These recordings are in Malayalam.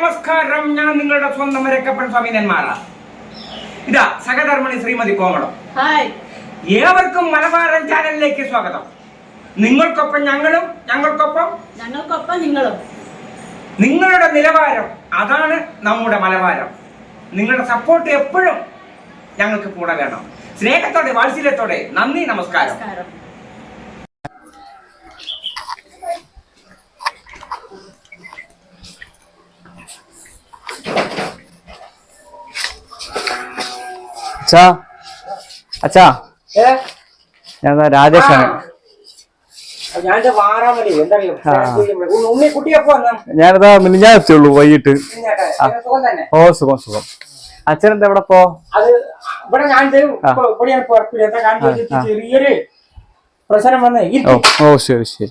നമസ്കാരം. ഞാൻ നിങ്ങളുടെ സ്വന്തം രക്കപ്പൻ സ്വാമിനന്മാരാ. ഇതാ സഹധർമ്മിണി ശ്രീമതി കോമളം. ഏവർക്കും മലബാരൻ ചാനലിലേക്ക് സ്വാഗതം. നിങ്ങൾക്കൊപ്പം ഞങ്ങളും, ഞങ്ങൾക്കൊപ്പം നിങ്ങളും. നിങ്ങളുടെ നിലവാരം അതാണ് നമ്മുടെ മലബാരം. നിങ്ങളുടെ സപ്പോർട്ട് എപ്പോഴും ഞങ്ങൾക്ക് കൂടെ വേണം. സ്നേഹത്തോടെ, വാത്സല്യത്തോടെ നന്ദി, നമസ്കാരം. അച്ഛാ ഞാൻ രാജേഷാണ്. ഞാനിതാ ഞാൻ എത്തിയുള്ളൂ വൈകിട്ട്. ഓ സുഖം സുഖം. അച്ഛനെന്താ എവിടെ പോ? ചെറിയൊരു പ്രശ്നം വന്നേ. ഓ ശരി ശരി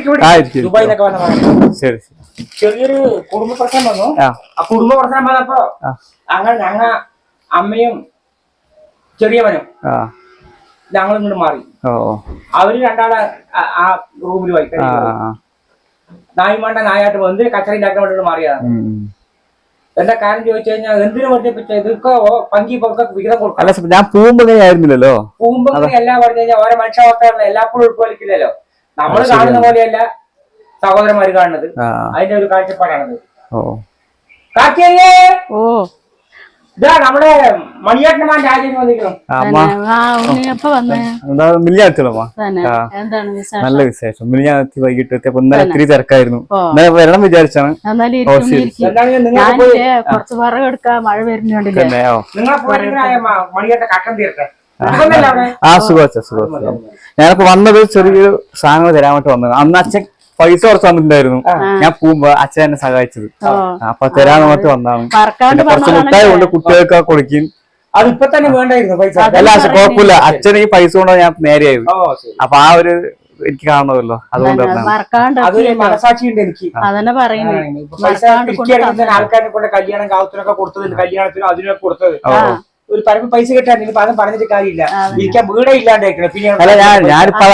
ശരി. ചെറിയൊരു കുടുംബ പ്രശ്നം വന്നു. ആ കുടുംബ പ്രശ്നം വന്നപ്പോ അങ്ങനെ ഞങ്ങ അമ്മയും ചെറിയവനും ഞങ്ങൾ ഇങ്ങോട്ട് മാറി. അവര് രണ്ടാളെ ആ റൂമിൽ പോയി നായ്മാണ്ട നായായിട്ട് വന്ന് കച്ചറ ഉണ്ടാക്കാൻ വേണ്ടിട്ട് മാറിയതാണ്. എന്താ കാര്യം ചോദിച്ചു കഴിഞ്ഞാൽ എന്തിനു പറഞ്ഞ ഇതൊക്കെ പങ്കി വിഹിതം കൊടുക്കും. ഞാൻ പൂമ്പോ പൂമ്പോ എല്ലാം പറഞ്ഞു കഴിഞ്ഞാൽ ഓരോ മനുഷ്യാവസ്ഥകളിൽ എല്ലാപ്പോഴും ഉൾക്കൊള്ളിക്കില്ലല്ലോ. നമ്മൾ കാണുന്ന പോലെയല്ല സഹോദരന്മാര് കാണുന്നത്. അതിന്റെ ഒരു കാഴ്ചപ്പാടാണത്. കാക്കിയേ ഇതാ നമ്മുടെ മണിയേട്ടന്മാരുടെ ആചാര്യം വന്നിരിക്കണം. നല്ല വിശേഷം. മിനിഞ്ഞാത്തി വൈകിട്ട് എത്തിയപ്പോ ഇന്നലെ ഇത്തിരി തിരക്കായിരുന്നു. വരണം വിചാരിച്ചാണ്. മഴ വരുന്നുണ്ടല്ലേ. ആ സുഖം സുഖം. ഞാനിപ്പോ വന്നത് ചെറിയൊരു സാധനങ്ങൾ തരാൻ വേണ്ടി വന്നത്. അന്ന് അച്ഛൻ പൈസ കുറച്ച് വന്നിട്ടുണ്ടായിരുന്നു. ഞാൻ പോകുമ്പോ അച്ഛൻ എന്നെ സഹായിച്ചത്. അപ്പൊ തരാൻ വേണ്ടി വന്നാണ്. കുറച്ച് മുട്ടായി കൊണ്ട് കുട്ടികൾക്ക് കൊടുക്കും. അതിപ്പോ തന്നെ വേണ്ടായിരുന്നു പൈസ. അല്ല കുഴപ്പമില്ല. അച്ഛൻ ഈ പൈസ കൊണ്ട് ഞാൻ നേരെയായത്. അപ്പൊ ആ ഒരു എനിക്ക് കാണണമല്ലോ, അതുകൊണ്ട് മനസാക്ഷിയുണ്ട് എനിക്ക്. ആൾക്കാരെ കൊണ്ട് കല്യാണം കാവത്തിനൊക്കെ കൊടുത്തത്, കല്യാണത്തിനും അതിനൊക്കെ കൊടുത്തത് ഒരു പരമ്പ പൈസ കിട്ടാൻ പദം പറഞ്ഞിട്ട് കാര്യമില്ല. ഇരിക്കാൻ വീടേ ഇല്ലാണ്ടായിരിക്കണം. പിന്നെ ഞാനിപ്പോ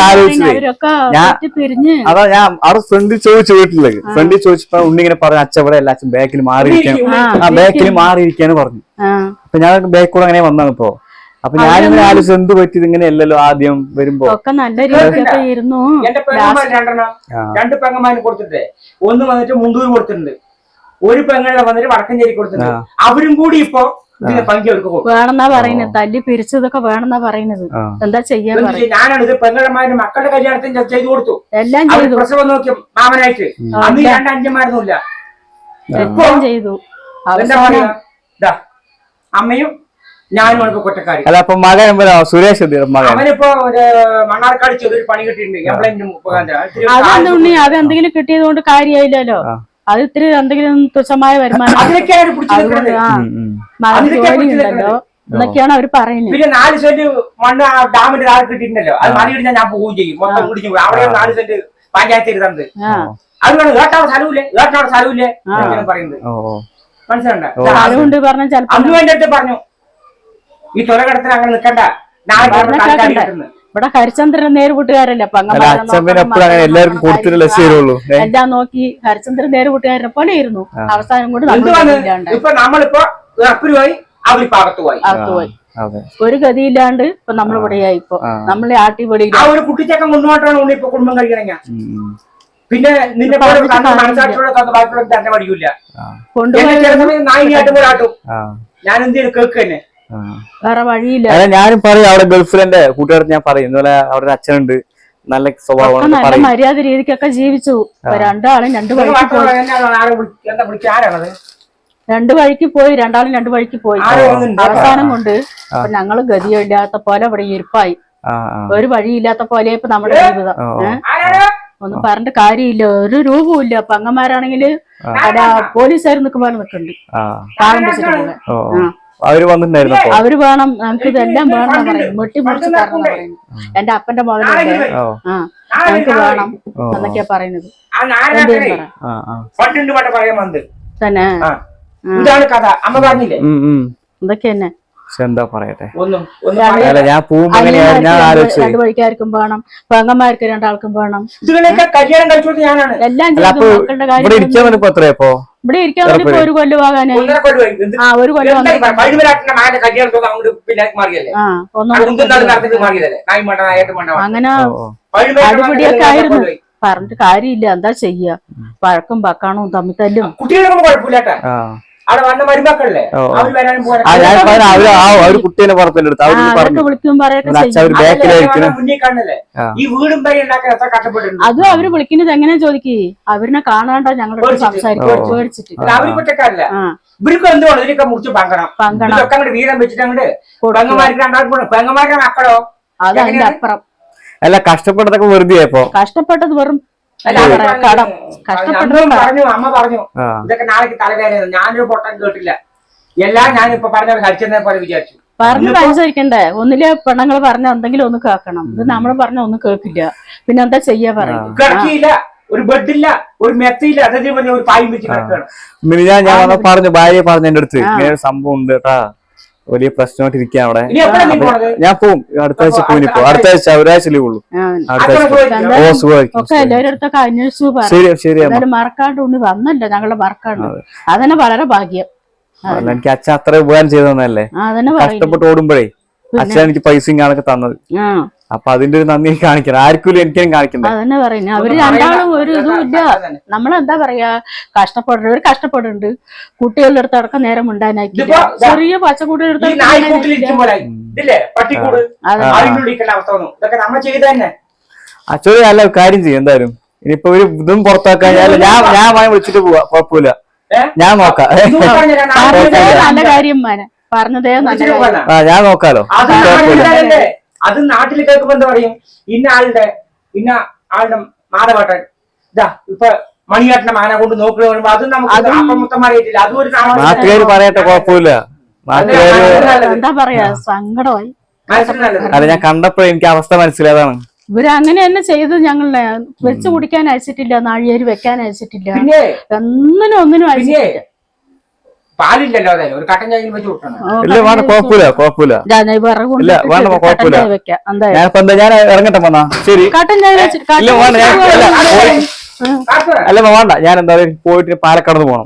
അതാ ഞാൻ അവിടെ ഫ്രണ്ടിൽ ചോദിച്ചു, വീട്ടിലേക്ക് ഫ്രണ്ടിൽ ചോദിച്ചപ്പോ ഉണ്ണിങ്ങനെ പറഞ്ഞു അച്ഛൻ ഇവിടെ അല്ല, അച്ഛൻ ബാക്കിൽ മാറിയിരിക്കാൻ, ബാക്കിൽ മാറിയിരിക്കാന്ന് പറഞ്ഞു. അപ്പൊ ഞാൻ ബാക്ക് കൂടെ അങ്ങനെ വന്നാണ് ഇപ്പോ. അപ്പൊ ഞാനിങ്ങനെ ആലോചിച്ചു എന്ത് പറ്റിയത് ഇങ്ങനെ അല്ലല്ലോ ആദ്യം വരുമ്പോ. എന്റെ പെങ്ങന്മാർ രണ്ട് പെങ്ങന്മാരിന് കൊടുത്തിട്ടേ, ഒന്ന് വന്നിട്ട് മുണ്ടൂർ കൊടുത്തിട്ടുണ്ട്, ഒരു പെങ്ങളെ വന്നിട്ട് വടക്കഞ്ചേരി കൊടുത്തിട്ടുണ്ട്. അവരും കൂടി ഇപ്പൊ വേണമെന്നാ പറയുന്നത്. തല്ലി പിരിച്ചതൊക്കെ വേണമെന്നാ പറയുന്നത്. എന്താ ചെയ്യാൻ ഞാനാണ് ഇത് പെങ്ങളുടെ മക്കളുടെ കല്യാണത്തിന് ചെയ്തു കൊടുത്തു. എല്ലാം ചെയ്തു. പ്രസവം നോക്കി മാമനായിട്ട് അന്ന് രണ്ട് അഞ്ചന്മാരൊന്നുമില്ല. എല്ലാം ചെയ്തു. അമ്മയും ഞാനും കൊറ്റക്കാരി. സുരേഷ് അവനിപ്പോ മണ്ണാർക്കാട് ചെറിയൊരു പണി കിട്ടിയിട്ടുണ്ട്. അതെന്തെങ്കിലും കിട്ടിയത് കൊണ്ട് കാര്യമായില്ലല്ലോ. അത് ഇത്തിരി എന്തെങ്കിലും തുച്ഛമായ വരുമാനം ഉണ്ടല്ലോ എന്നൊക്കെയാണ് അവര് പറയുന്നത്. പിന്നെ 4 സെന്റ് മണ്ണ് ഡാമിന്റെ താഴെ കിട്ടിയിട്ടുണ്ടല്ലോ, അത് മറിയിടിഞ്ഞാൽ ഞാൻ പോവുകയും ചെയ്യും. മൊത്തം കുടിക്കും. അവിടെ 4 സെന്റ് പഞ്ചായത്ത് ഇരുന്നത്. അതുകൊണ്ട് ഏട്ടാവിടെ സ്ഥലമില്ലേ, ഏട്ടാവിടെ സ്ഥലമില്ലേ പറയുന്നത് മനസ്സിലുണ്ടോ? അന്ന് എന്റെ അടുത്ത് പറഞ്ഞു ഈ തൊലകടത്തിന് അങ്ങനെ നിൽക്കണ്ട, ഇവിടെ ഹരിചന്ദ്രൻ നേരുകൂട്ടുകാരല്ലേ. എല്ലാം നോക്കി ഹരിചന്ദ്രൻ നേരുകൂട്ടുകാരനെ പോലെ ഇരുന്നു. അവസാനം കൊണ്ട് ഇപ്പൊ നമ്മളിപ്പോ പോയി അവർ പോയി ഒരു ഗതിയില്ലാണ്ട് ഇപ്പൊ നമ്മളിവിടെയായി. ഇപ്പൊ നമ്മളെ ആട്ടിപൊടി ആ ഒരു കുട്ടിച്ചക്കം കൊണ്ടുപോയിട്ടാണ് ഇപ്പൊ കുടുംബം കഴിക്കണ. പിന്നെ നിന്റെ മനസ്സാക്ഷിയോടെ തന്നെ പഠിക്കൂല. നായിനായിട്ട് പോലാട്ടും. ഞാൻ എന്ത് ചെയ്തു കേക്ക് തന്നെ വേറെ വഴിയില്ല. ഞാനും പറയും അവിടെ ഗൾഫിലെ കൂട്ടുകാർക്ക് ഞാൻ പറയും ഇന്നലെ അവിടെ അച്ഛനുണ്ട്, നല്ല സ്വഭാവം, നല്ല മര്യാദ രീതിക്കൊക്കെ ജീവിച്ചു. രണ്ടാളും രണ്ട് വഴിക്ക് പോയി. രണ്ടാളും രണ്ട് വഴിക്ക് പോയി. അവസാനം കൊണ്ട് ഞങ്ങള് ഗതിയില്ലാത്ത പോലെ ഇവിടെ ഇരിപ്പായി. ഒരു വഴിയില്ലാത്ത പോലെ ഇപ്പൊ നമ്മുടെ ജീവിതം. ഒന്നും പറഞ്ഞിട്ട് കാര്യമില്ല. ഒരു രൂപവും ഇല്ല. അപ്പൊ അങ്ങന്മാരാണെങ്കില് പോലീസുകാർ നിൽക്കുമ്പോൾ നിൽക്കുന്നുണ്ട്. പാകം വെച്ചിട്ടുണ്ട്. അവര് വന്നിട്ടുണ്ടായിരുന്നു. അവര് വേണം, നമുക്ക് ഇതെല്ലാം വേണം പറയുന്നത്. വെട്ടിമുറിച്ച് തരണം പറയുന്നത്. എന്റെ അപ്പന്റെ മകനുണ്ട്, ഞങ്ങക്ക് വേണം എന്നൊക്കെയാ പറയുന്നത്. തന്നെ എന്തൊക്കെ തന്നെ എന്താ പറയട്ടെ. രണ്ടു വഴിക്കാർക്കും വേണം, പെങ്ങന്മാർക്ക് രണ്ടാൾക്കും വേണം. എല്ലാം ഇരിക്കാൻ ഇവിടെ ഇരിക്കാൻ വേണ്ടി ഇപ്പൊ ഒരു കൊല്ലം ആകാനായി. 1.5 കൊല്ലമായി. ആ, ഒരു കൊല്ലം വഴിമലാട്ടിന്റെ മാന്റെ കല്യാണത്തോടെ അങ്ങോട്ട് പിന്നെ മാറിയല്ലേ, മാറിയതല്ലേ, നായി മണ്ട നായിട്ട് മണ്ട. അങ്ങനെ അടിപിടിയൊക്കെ ആയിരുന്നു. പറഞ്ഞിട്ട് കാര്യമില്ല, എന്താ ചെയ്യാ, വഴക്കും പക്കാണും തമ്മിൽ തല്ലും. കുട്ടികളൊന്നും കുഴപ്പമില്ലാട്ടാ, അവിടെ വന്ന മരുമക്കളല്ലേ, അവര് വരാനും വിളിക്കും പറയൊക്കെ മുന്നിൽ കാണല്ലേ. ഈ വീടും വരെ ഉണ്ടാക്കാൻ എത്ര കഷ്ടപ്പെട്ടിട്ടുണ്ട്. അതും അവര് വിളിക്കുന്നത് എങ്ങനെ ചോദിക്കേ, അവരിനെ കാണാണ്ടോ ഞങ്ങളോട് സംസാരിക്കും പേടിച്ചിട്ട്. അവര് കുറ്റക്കാരല്ല, ഇവർക്ക് എന്തുകൊണ്ട് ഇതിനൊക്കെ മുറിച്ച് പങ്കണം ഇതൊക്കെ അങ്ങോട്ട് വീതം വെച്ചിട്ട് അങ്ങോട്ട് പെങ്ങന്മാർക്ക് രണ്ടാൾക്കും പെങ്ങന്മാരുടെ മക്കളോ അതതിന്റെ അപ്പുറം. അല്ല കഷ്ടപ്പെട്ടതൊക്കെ വെറുതെ കഷ്ടപ്പെട്ടത് വെറും കടം. പറഞ്ഞു അമ്മ പറഞ്ഞു ഇതൊക്കെ നാളേക്ക് തലവേദന. ഞാനൊരു പൊട്ടൻ കേട്ടില്ല, എല്ലാം ഞാനിപ്പോ പറഞ്ഞ ഹരിച്ചെന്നെ പോലെ വിചാരിച്ചു. പറഞ്ഞത് അനുസരിക്കണ്ടേ, ഒന്നിലെ പെണ്ണുങ്ങൾ പറഞ്ഞ എന്തെങ്കിലും ഒന്ന് കേൾക്കണം. ഇത് നമ്മൾ പറഞ്ഞ ഒന്നും കേൾക്കില്ല, പിന്നെ എന്താ ചെയ്യാ പറയും. കിടക്കിയില്ല, ഒരു ബെഡില്ല, ഒരു മെത്തയില്ല, അതേ പറഞ്ഞ ഒരു പായും വെച്ച് കിടക്കണം. ഞാൻ പറഞ്ഞു, ഭാര്യ പറഞ്ഞു എന്റെ അടുത്ത് ഇങ്ങനെ ഒരു സംഭവം ഉണ്ട് കേട്ടാ, വലിയ പ്രശ്നമായിട്ട് ഇരിക്കാൻ അവിടെ. ഞാൻ പോവും, അടുത്ത ആഴ്ച പോയി. അടുത്ത ആഴ്ച ഒരാഴ്ച ലീവ് ഉള്ളൂ. ഒക്കെ എല്ലാവരുടെ അടുത്തൊക്കെ അന്വേഷിച്ചു പറഞ്ഞു, മറക്കാണ്ട് ഉണ്ണി വന്നല്ലോ, ഞങ്ങളുടെ മറക്കാണ്ട്. അതന്നെ വളരെ ഭാഗ്യം. എനിക്ക് അച്ഛൻ അത്ര ഉപകാരം ചെയ്തല്ലേ, കഷ്ടപ്പെട്ട് ഓടുമ്പോഴേ അച്ഛൻ എനിക്ക് പൈസയും കാണൊക്കെ തന്നത്. അപ്പൊ അതിന്റെ ഒരു നന്ദി കാണിക്കണം, ആർക്കും എനിക്കും കാണിക്കണ്ട. അതന്നെ പറയുന്നത്, അവര് രണ്ടാളും ഒരു ഇതും ഇല്ല. നമ്മളെന്താ പറയാ, കഷ്ടപ്പെടുന്നവർ കഷ്ടപ്പെടുന്നുണ്ട്. കുട്ടികളുടെ അടുത്ത് അടക്കം നേരം ഉണ്ടാനാക്കി ചെറിയ പച്ചക്കുട്ടികളുടെ അച്ഛൻ നല്ല കാര്യം ചെയ്യും. എന്തായാലും ഇനിയിപ്പോ ഒരു ഇതും പുറത്താക്കാൻ ഞാൻ വിളിച്ചിട്ട് പോവാ, കുഴപ്പമില്ല, ഞാൻ നോക്കാം. നല്ല കാര്യം പറഞ്ഞതേ നല്ല, ഞാൻ നോക്കാലോ. അത് നാട്ടിൽ കേൾക്കുമ്പോ എന്താ പറയും, ഇന്ന ആളുടെ മാധവട്ടൻ ഇതാ ഇപ്പൊ മണിയാട്ടിന്റെ മാന കൊണ്ട് നോക്കുക പറയുമ്പോ അത് നമുക്ക് മുത്തന്മാരായിട്ടില്ല. അതും ഒരു നാട്ടുകാര് പറയട്ടെ, കുഴപ്പമില്ല. എന്താ പറയാ, സങ്കടമായി. അല്ല ഞാൻ കണ്ടപ്പോ എനിക്ക് അവസ്ഥ മനസ്സിലായതാണ്. ഇവര് അങ്ങനെ തന്നെ ചെയ്ത് ഞങ്ങളെ വെച്ച് കുടിക്കാൻ അയച്ചിട്ടില്ല, നാഴിയേര് വെക്കാൻ അയച്ചിട്ടില്ല, ഒന്നിനും അയച്ചിട്ടില്ല. പാലില്ലല്ലോ, അതെ ഒരു കട്ടൻ ചായ വെച്ച് കൊടുക്കണം. ഞാൻ ഇറങ്ങട്ടെ വന്നാ ശരി. അല്ല വേണ്ട, ഞാൻ എന്താ പോയിട്ട് പാലക്കാട് പോകണം.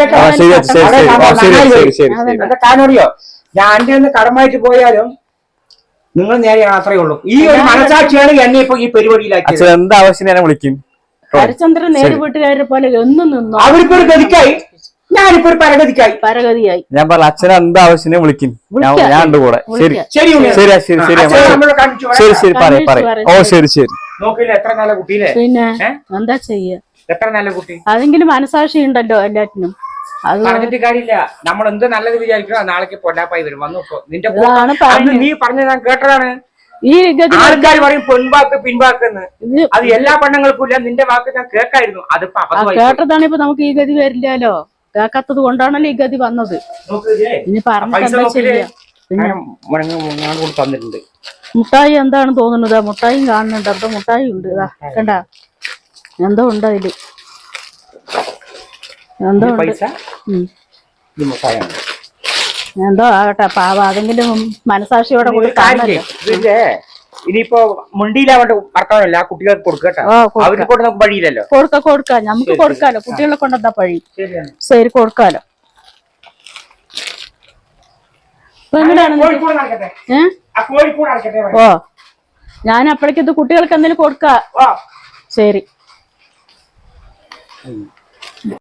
കാരണറിയോ, ഞാൻ എന്റെ ഒന്ന് കടമായിട്ട് പോയാലും നിങ്ങൾ നേരെ അത്രയേ ഉള്ളൂ. ഈ ഒരു മനസാക്ഷിയാണ് എന്നെ ഇപ്പൊ ഈ പരിപാടിയിലാക്കി. എന്താ ആവശ്യം ഞാൻ വിളിക്കും. ഹരിചന്ദ്രൻ നേര് വീട്ടുകാരെ പോലെ എന്നും നിന്നു. അവർക്ക് ഒരു ഗതിക്കായി, ഞാനിപ്പോ ഒരു പരഗതിയായി. ഞാൻ പറഞ്ഞ അച്ഛനെ എന്താ ആവശ്യം വിളിക്കും, ഞാൻ ഉണ്ട് കൂടെ. ശരി ശരി ശരി ശരി ശരി ശരി പറയാം. ഓ ശരി ശരി. നോക്കില്ല എത്ര നല്ല കുട്ടിയില്ലേ, പിന്നെ എന്താ ചെയ്യാ, എത്ര നല്ല കുട്ടി. അതെങ്കിലും മനസാക്ഷി ഉണ്ടല്ലോ എല്ലാറ്റിനും. അത് പറഞ്ഞിട്ട് കാര്യമില്ല, നമ്മൾ എന്ത് നല്ലത് വിചാരിക്കണം, നാളേക്ക് പൊല്ലാപ്പായി വരും. വന്നു നിന്റെ നീ പറഞ്ഞ ഞാൻ കേട്ടതാണ്. ഈ ആൾക്കാർ പറയും പെൺവാക്ക് പിൻവാക്കെന്ന്, അത് എല്ലാ പെണ്ണുങ്ങൾക്കും ഇല്ല. നിന്റെ വാക്ക് ഞാൻ കേൾക്കായിരുന്നു, അതിപ്പോ കേട്ടതാണ്. ഇപ്പൊ നമുക്ക് ഈ ഗതി വരില്ലല്ലോ, കേൾക്കാത്തത് കൊണ്ടാണല്ലോ ഈ ഗതി വന്നത്. ഇനി തന്നിട്ടുണ്ട്. മുട്ടായി എന്താണ് തോന്നുന്നത്, മുട്ടായും കാണുന്നുണ്ട്. എന്തോ മുട്ടായി ഉണ്ട്, ഇതാ കണ്ട, എന്തോ ഉണ്ട് അതില്, എന്തോ എന്തോ ആകട്ടെ, പാവ അതെങ്കിലും മനസാക്ഷിയോടെ കൂടി കാണല്ലോ. ഇനിയിപ്പോ മുണ്ടിയിലാവട്ടെ ഭർത്താവല്ല, ആ കുട്ടികൾക്ക് കൊടുക്കട്ടെ, അവർക്ക് കൊണ്ട് നമുക്ക് വഴിയില്ലല്ലോ. കൊടുക്കാം, നമുക്ക് കൊടുക്കാലോ, കുട്ടികളെ കൊണ്ടെന്താ പഴി. ശരി കൊടുക്കാലോ. ഓ ഞാൻ അപ്പോഴേക്കും ഇത് കുട്ടികൾക്ക് എന്തെങ്കിലും കൊടുക്കാം. ശരി.